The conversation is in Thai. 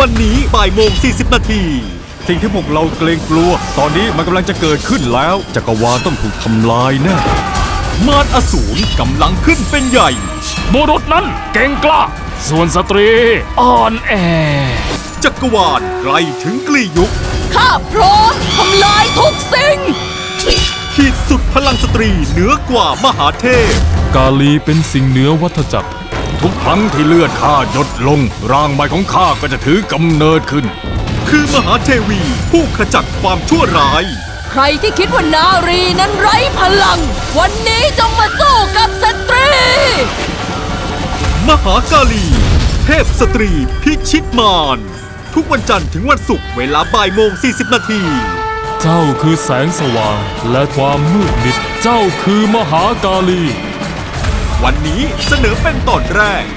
วันนี้บ่ายโมง40 นาทีสิ่งที่พวกเราเกรงกลัวตอนนี้มันกำลังจะเกิดขึ้นแล้วจักรวาลต้องถูกทำลายแน่มารอสูรกำลังขึ้นเป็นใหญ่บุรุษนั้นเก่งกล้าส่วนสตรีอ่อนแอจักรวาลใกล้ถึงกลียุคข้าพร้อมทำลายทุกสิ่งขีดสุดพลังสตรีเหนือกว่ามหาเทพกาลีเป็นสิ่งเหนือวัฏจักรทุกครั้งที่เลือดข้าหยดลงร่างใหม่ของข้าก็จะถือกำเนิดขึ้นคือมหาเทวีผู้ขจัดความชั่วร้ายใครที่คิดว่านารีนั้นไร้พลัง วันนี้จงมาสู้กับสตรีมหากาลี เทพสตรีพิชิตมารทุกวันจันทร์ถึงวันศุกร์เวลาบ่ายโมง40 นาทีเจ้าคือแสงสว่างและความมืดมิด เจ้าคือมหากาลีวันนี้เสนอเป็นตอนแรก